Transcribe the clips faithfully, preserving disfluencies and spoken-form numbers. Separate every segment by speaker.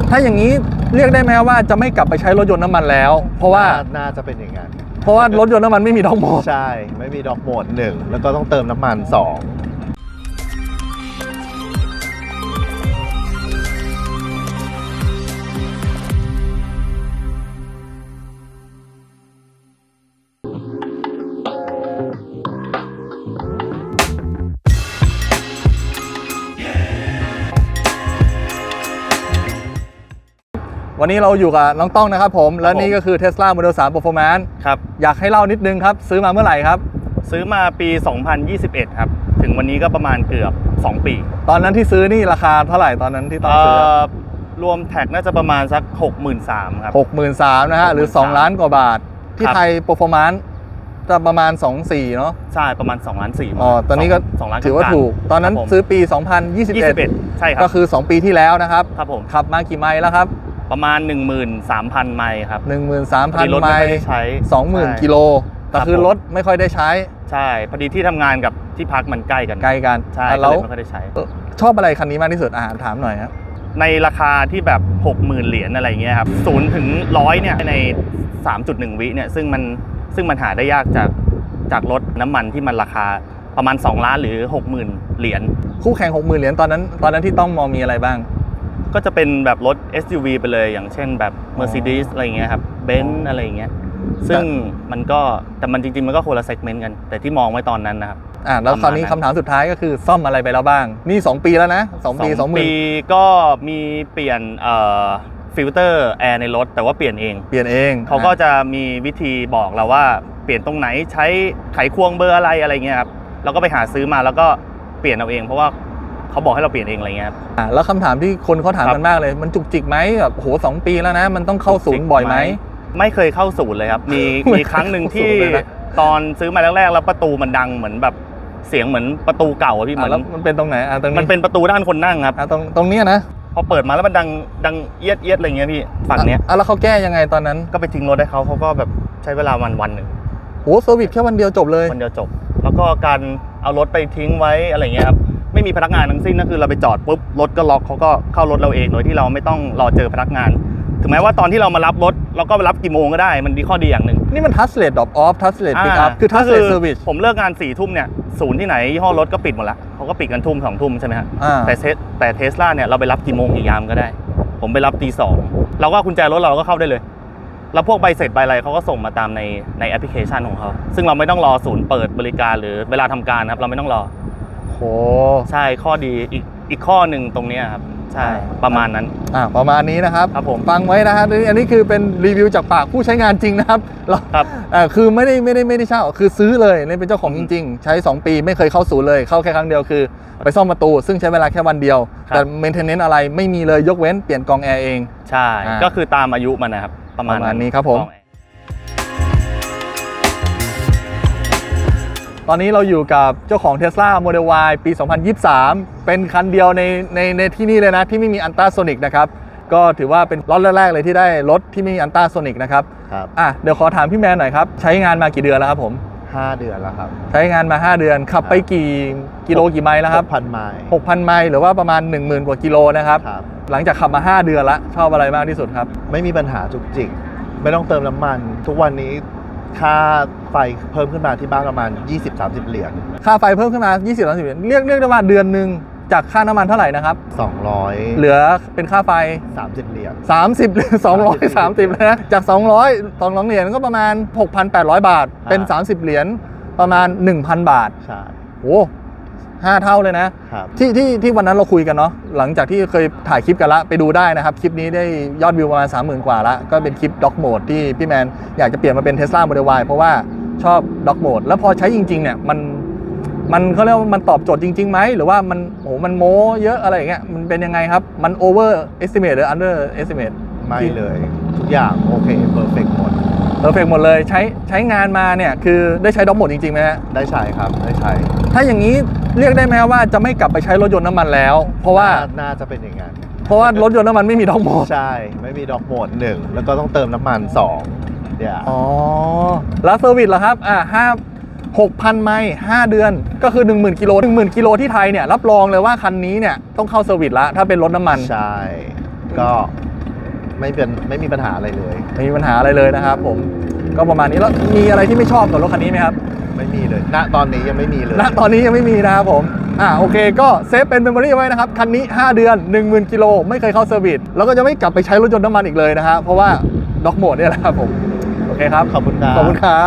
Speaker 1: ถ้าอย่างนี้เรียกได้ไหมว่าจะไม่กลับไปใช้รถยนต์น้ำมันแล้วเพราะว่า
Speaker 2: น่าจะเป็นอย่างนั้น
Speaker 1: เพราะว่ารถยนต์น้ำมันไม่มีด็อกโหมด
Speaker 2: ใช่ไม่มีด็อกโหมดหนึ่งแล้วก็ต้องเติมน้ำมันสอง
Speaker 1: วันนี้เราอยู่กับน้องต้องนะครับผมและนี่ก็คือ Tesla Model สาม Performance
Speaker 3: ครับ
Speaker 1: อยากให้เล่านิดนึงครับซื้อมาเมื่อไหร่ครับ
Speaker 3: ซื้อมาปีสองพันยี่สิบเอ็ดครับถึงวันนี้ก็ประมาณเกือบสองปี
Speaker 1: ตอนนั้นที่ซื้อนี่ราคาเท่าไหร่ตอนนั้นที่ต้องซื้อ
Speaker 3: รวมแท็กน่าจะประมาณสัก หกหมื่นสามพัน ครับ
Speaker 1: หกหมื่นสามพัน นะฮะหรือสองล้านกว่าบาทที่ไทย Performance จะประมาณสองพันสี่ร้อยเนาะ
Speaker 3: ใช่ประมาณสองล้านสี่
Speaker 1: อ๋อตอนนี้ก็ถือว่าถูกตอนนั้นซื้อปีสองพันยี่สิบเอ็ด
Speaker 3: ใช่ครับ
Speaker 1: ก็คือสองปีที่แล้วนะครับ
Speaker 3: ครับผม
Speaker 1: ขับมากี่ไมล์แล้วครับ
Speaker 3: ประมาณ หนึ่งหมื่นสามพัน ไมล์ครับ
Speaker 1: หนึ่งหมื่นสามพัน ไมล์ สองหมื่น กิโลแต่คือรถไม่ค่อยได้ใช้
Speaker 3: ใช่พอดีที่ทำงานกับที่พักมันใกล้กัน
Speaker 1: ใกล้กัน
Speaker 3: ใช่แล้วไม่ค่อยได้ใช้
Speaker 1: ชอบอะไรคันนี้มากที่สุดอ่าถามหน่อยครับ
Speaker 3: ในราคาที่แบบ หกหมื่น เหรียญอะไรเงี้ยครับศูนย์ถึงหนึ่งร้อยเนี่ยใน สามจุดหนึ่ง วิเนี่ยซึ่งมันซึ่งมันหาได้ยากจากจากรถน้ำมันที่มันราคาประมาณสองล้านหรือ หกหมื่น เหรียญ
Speaker 1: คู่แข่ง หกหมื่น เหรียญตอนนั้นตอนนั้นที่ต้องมองมีอะไรบ้าง
Speaker 3: ก็จะเป็นแบบรถ เอส ยู วี ไปเลยอย่างเช่นแบบ Mercedes อะไรเงี้ยครับ Benz อะไรเงี้ยซึ่งมันก็แต่มันจริงๆมันก็คนละเซกเมนต์กันแต่ที่มองไว้ตอนนั้นนะครับ
Speaker 1: อ่าแล้วคราวนี้คำถามสุดท้ายก็คือซ่อมอะไรไปแล้วบ้างนี่สองปีแล้วนะสองปีสองปี
Speaker 3: ก็มีเปลี่ยนเอ่อฟิลเตอร์แอร์ในรถแต่ว่าเปลี่ยนเอง
Speaker 1: เปลี่ยนเอง
Speaker 3: เขาก็จะมีวิธีบอกเราว่าเปลี่ยนตรงไหนใช้ไขควงเบอร์อะไรอะไรเงี้ยครับเราก็ไปหาซื้อมาแล้วก็เปลี่ยนเอาเองเพราะว่าเขาบอกให้เราเปลี่ยนเองอะไรเงี้ยครับ
Speaker 1: อ่าแล้วคำถามที่คนเขาถามกันมากเลยมันจุกจิกไหมแบบโหสองปีแล้วนะมันต้องเข้าศูนย์บ่อยไหม
Speaker 3: ไม่เคยเข้าศูนย์เลยครับมีมีครั้งหนึ่งที่ตอนซื้อมาแรกๆแล้วประตูมันดังเหมือนแบบเสียงเหมือนประตูเก่าพี่เหมือน
Speaker 1: แล้วมันเป็นตรงไหนอ่ะตรงนี้
Speaker 3: มันเป็นประตูด้านคนนั่งครับ
Speaker 1: อ่ะตรงตรงนี้นะ
Speaker 3: พอเปิดมาแล้วมันดังดังเอียดเอียดอะไรเงี้ยพี่ฝั่งเนี้ย
Speaker 1: อ่ะแล้วเขาแก้ยังไงตอนนั้น
Speaker 3: ก็ไปทิ้งรถให้เขาเขาก็แบบใช้เวลาวันวันหนึ่ง
Speaker 1: โอ้เซอร์วิสแค่วันเดียวจบเลย
Speaker 3: วันเดียวจบแล้วก็การเอารถไปทิ้งไว้อะไรเงี้ยครับไม่มีพนักงานทั้งสิ้นก็คือเราไปจอดปุ๊บรถก็ล็อกเขาก็เข้ารถเราเองโดยที่เราไม่ต้องรอเจอพนักงานถึงแม้ว่าตอนที่เรามารับรถเราก็ไปรับกี่โมงก็ได้มันดีข้อดีอย่างหนึ่ง
Speaker 1: นี่มันทัชเลสดรอปออฟทัชเลสปิกอัพคือทัชเลสเซอร์วิส
Speaker 3: ผมเลิกงานสี่ทุ่มเนี่ยศูนย์ที่ไหนยี่ห้อรถก็ปิดหมดละเขาก็ปิดกันทุ่มสองทุ่มใช่ไหมฮะแต่เทสแต่เทสลาเนี่ยเราไปรับกี่โมงกี่ยามก็ได้ผมไปรับตีสองเราก็กุญแจรถเราก็เข้าได้เลยแล้วพวกใบเสร็จใบอะไรเขาก็ส่งมาตามในในแอปพลิเคชันของเขาซึ่งเราไม่ต้องรอศูนย์เปิดบริการหรือเวลาทำการครับเราไม่ต้องรอ
Speaker 1: โอ้
Speaker 3: ใช่ข้อดีอีกอีกข้อหนึ่งตรงนี้ครับใช่ประมาณนั้น
Speaker 1: อ่าประมาณนี้นะครับ
Speaker 3: ครับผม
Speaker 1: ฟังไว้นะครับอันนี้คือเป็นรีวิวจากปากผู้ใช้งานจริงนะครับ
Speaker 3: ครับ
Speaker 1: อ่าคือไม่ได้ไม่ได้ไม่ได้เช่าคือซื้อเลยนี่เป็นเจ้าของจริงๆใช้สองปีไม่เคยเข้าศูนย์เลยเข้าแค่ครั้งเดียวคือไปซ่อมประตูซึ่งใช้เวลาแค่วันเดียวแต่เมนเทนเนนซ์อะไรไม่มีเลยยกเว้นเปลี่ยนกรองแอร์เอง
Speaker 3: ใช่ก็คือตามอายุมันนะครับประมาณ
Speaker 1: นี้ครับผมตอนนี้เราอยู่กับเจ้าของ Tesla Model Y ปี สองพันยี่สิบสาม เป็นคันเดียวในในในที่นี่เลยนะที่ไม่มีอัลตราโซนิกนะครับก็ถือว่าเป็นรถแรกๆเลยที่ได้รถที่ไม่มีอัลตราโซนิกนะครับ
Speaker 2: ครับ
Speaker 1: อ่ะเดี๋ยวขอถามพี่แมนหน่อยครับใช้งานมากี่เดือนแล้วครับผม
Speaker 2: ห้าเดือนแล้วครับ
Speaker 1: ใช้งานมาห้าเดือนขับไปกี่กิโลกี่ไมล์แล้วครับ
Speaker 2: หกพัน ไมล์
Speaker 1: หกพัน ไมล์หรือว่าประมาณ หนึ่งหมื่น กว่ากิโลนะครับหลังจากขับมาห้าเดือนละชอบอะไรมากที่สุดครับ
Speaker 2: ไม่มีปัญหาจุกจิกไม่ต้องเติมน้ำมันทุกวันนี้ค่าไฟเพิ่มขึ้นมาที่บ้านประมาณ ยี่สิบถึงสามสิบ เหรียญ
Speaker 1: ค่าไฟเพิ่มขึ้นมา ยี่สิบถึงสามสิบ เหรียญเรียกเรียกได้ว่าเดือนนึงจากค่าน้ำมันเท่าไหร่นะครับ
Speaker 2: สองร้อย
Speaker 1: เหลือเป็นค่าไฟ
Speaker 2: สามสิบ เหรียญ
Speaker 1: สามสิบ สองร้อยสามสิบเลยนะจากสองร้อย สองร้อยเหรียญก็ประมาณ หกพันแปดร้อย บาทเป็นสามสิบเหรียญประมาณ หนึ่งพัน บาท
Speaker 2: ใช่
Speaker 1: โอ้ห้าเท่าเลยนะครับที่ที่ที่วันนั้นเราคุยกันเนาะหลังจากที่เคยถ่ายคลิปกันละไปดูได้นะครับคลิปนี้ได้ยอดวิวประมาณ สามหมื่น กว่าละก็เป็นคลิปด็อกโหมดที่พี่แมนอยากจะเปลี่ยนมาเป็น Tesla Model Y เพราะว่าชอบด็อกโหมดแล้วพอใช้จริงๆเนี่ยมันมันเขาเรียกว่ามันตอบโจทย์จริงๆไหมหรือว่ามันโหมันโม้เยอะอะไรอย่างเงี้ยมันเป็นยังไงครับมัน over estimate หรือ under estimate
Speaker 2: ไม่เลยทุกอย่างโอเค perfect หมด
Speaker 1: เพอร์เฟกต์หมดเลยใช้ใช้งานมาเนี่ยคือได้ใช้ด็อกโหมดจริงๆไหมฮะ
Speaker 2: ได้ใช้ครับได้ใช้
Speaker 1: ถ้าอย่างนี้เรียกได้ไหมว่าจะไม่กลับไปใช้รถยนต์น้ำมันแล้วเพราะว่า
Speaker 2: น่าจะเป็นอย่างนั้น
Speaker 1: เพราะว่ารถยนต์น้ำมันไม่มีด็อกโหมด
Speaker 2: ใช่ไม่มีด็อกโหมดหนึ่งแล้วก็ต้องเติมน้ำมันสองเดี๋ยว
Speaker 1: อ๋อแล้วเซอร์วิสเหรอครับอ่าห้า หกพัน ไมล์ห้าเดือนก็คือ หนึ่งหมื่น กิโล หนึ่งหมื่น กิโลที่ไทยเนี่ยรับรองเลยว่าคันนี้เนี่ยต้องเข้าเซอร์วิสละถ้าเป็นรถน้ำมัน
Speaker 2: ใช่ก็ไม่เป็นไม่มีปัญหาอะไรเลย
Speaker 1: ไม่มีปัญหาอะไรเลยนะครับผมก็ประมาณนี้แล้วมีอะไรที่ไม่ชอบกับรถคันนี้ไหมครับ
Speaker 2: ไม่มีเลยณตอนนี้ยังไม่มีเลย
Speaker 1: ณตอนนี้ยังไม่มีนะครับผมอ่าโอเคก็เซฟเป็นเมมโมรี่ไว้นะครับคันนี้ห้าเดือน หนึ่งหมื่น กิโลไม่เคยเข้าเซอร์วิสแล้วก็จะไม่กลับไปใช้รถยนต์น้ำมันอีกเลยนะฮะเพราะว่าด็อกโหมดเนี่ยแหละครับผมโอเคครับ
Speaker 2: ขอบคุณครับ
Speaker 1: ขอบคุณครับ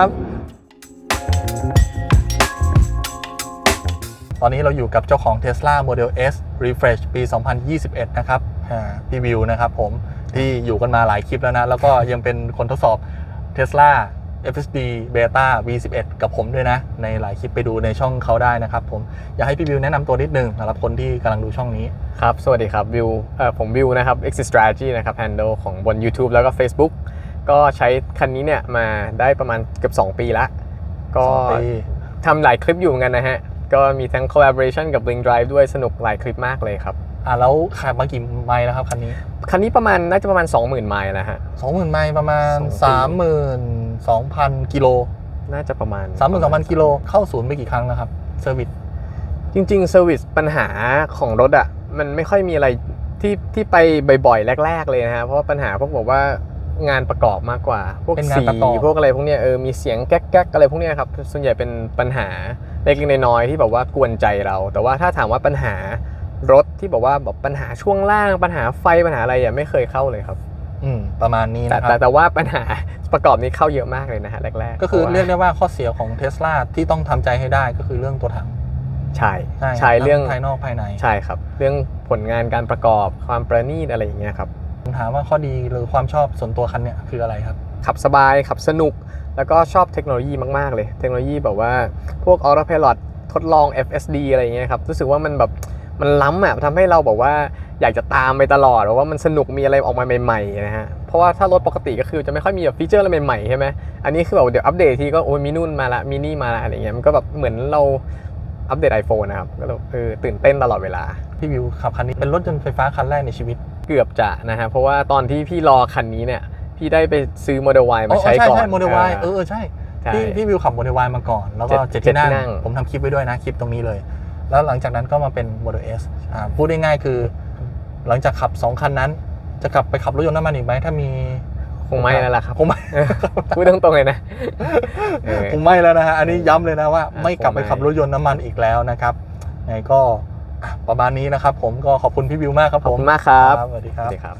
Speaker 1: ตอนนี้เราอยู่กับเจ้าของ Tesla Model S Refresh ปี สองพันยี่สิบเอ็ด นะครับอ่าพี่วิวนะครับผมที่อยู่กันมาหลายคลิปแล้วนะแล้วก็ยังเป็นคนทดสอบ Tesla เอฟ เอส ดี Beta วี สิบเอ็ด กับผมด้วยนะในหลายคลิปไปดูในช่องเขาได้นะครับผมอยากให้พี่วิวแนะนำตัวนิดนึงสำหรับคนที่กำลังดูช่องนี้
Speaker 4: ครับสวัสดีครับวิวเอ่อผมวิวนะครับ Exit Strategy นะครับ handle ของบน YouTube แล้วก็ Facebook ก็ใช้คันนี้เนี่ยมาได้ประมาณเกือบสองปีละก็ทำหลายคลิปอยู่เหมือนกันนะฮะก็มีทั้ง collaboration กับ Blink Drive ด้วยสนุกหลายคลิปมากเลยครับ
Speaker 1: อ่าแล้วขับมากี่ไมล์แล้วครับคันนี้
Speaker 4: คันนี้ประมาณน่าจะประมาณ สองหมื่น ไมล์นะฮะ
Speaker 1: สองหมื่น ไมล์ประมาณ สามหมื่นสองพัน กิโล
Speaker 4: น่าจะประมาณ
Speaker 1: สามหมื่นสองพัน กิโลเข้าศูนย์ไปกี่ครั้งแล้วครับเซอร์วิส
Speaker 4: จริงๆเซอร์วิสปัญหาของรถอ่ะมันไม่ค่อยมีอะไรที่ที่ไปบ่อยๆแรกๆเลยนะฮะเพราะว่าปัญหาพวกบอกว่างานประกอบมากกว่าพวกสีพวกอะไรพวกเนี้ยเออมีเสียงแก๊กๆอะไรพวกเนี้ยครับส่วนใหญ่เป็นปัญหาเล็กๆน้อยๆที่แบบว่ากวนใจเราแต่ว่าถ้าถามว่าปัญหารถที่บอกว่าแบบปัญหาช่วงล่างปัญหาไฟปัญหาอะไรอ่ะไม่เคยเข้าเลยครับ
Speaker 1: อืมประมาณนี้นะครับ
Speaker 4: แต่แต่ว่าปัญหาประกอบนี้เข้าเยอะมากเลยนะฮะแรกๆ
Speaker 1: ก็คือเรียกได้ว่าข้อเสียของ Tesla ที่ต้องทำใจให้ได้ก็คือเรื่องตัวถัง
Speaker 4: ใช่ใช่เรื่อง
Speaker 1: ภายนอกภายใน
Speaker 4: ใช่ครับเรื่องผลงานการประกอบความประณีตอะไรอย่างเงี้ยครับ
Speaker 1: ผมถามว่าข้อดีหรือความชอบส่วนตัวคันเนี้ยคืออะไรครับ
Speaker 4: ขับสบายขับสนุกแล้วก็ชอบเทคโนโลยีมากๆเลยเทคโนโลยีแบบว่าพวก Autopilot ทดลอง เอฟ เอส ดี อะไรอย่างเงี้ยครับรู้สึกว่ามันแบบมันล้ำอ่ะทำให้เราบอกว่าอยากจะตามไปตลอดว่ามันสนุกมีอะไรออกมาใหม่ๆนะฮะเพราะว่าถ้ารถปกติก็คือจะไม่ค่อยมีแบบฟีเจอร์อะไรใหม่ๆใช่ไหมอันนี้คือแบบเดี๋ยวอัปเดตทีก็โอ้ยมีนู่นมาละมินี่มาละอะไรเงี้ยมันก็แบบเหมือนเราอัปเดต iPhone นะครับก็เออตื่นเต้นตลอดเวลา
Speaker 1: พี่วิวขับคันนี้เป็นรถยนต์ไฟฟ้าคันแรกในชีวิต
Speaker 4: เกือบจะนะฮะเพราะว่าตอนที่พี่รอคันนี้เนี่ยพี่ได้ไปซื้อ Model Y มาใช้ก่อน
Speaker 1: ใช่ใช่ Model Y เออใช่พี่พี่วิวขับ Model Y มาก่อนแล้วก็เจ็ดที่นั่งผมทำคลิปไว้ด้วยนะคลิปตรงนี้เลยแล้วหลังจากนั้นก็มาเป็น Model S อ่าพูดได้ง่ายคือหลังจากขับสองคันนั้นจะกลับไปขับรถยนต์น้ำมันอีกไหมถ้ามี
Speaker 4: คงไม่แล้วล่ะครับ
Speaker 1: คงไม่
Speaker 4: พูดตรงๆเลยนะ
Speaker 1: คงไม่แล้วนะฮะอันนี้ย้ำเลยนะว่าไม่กลับไปขับรถยนต์น้ำมันอีกแล้วนะครับไงก็ประมาณนี้นะครับผมก็ขอบคุณพี่วิวมากครับผม
Speaker 4: ขอบคุณมากครับ
Speaker 1: สวัสดีครับ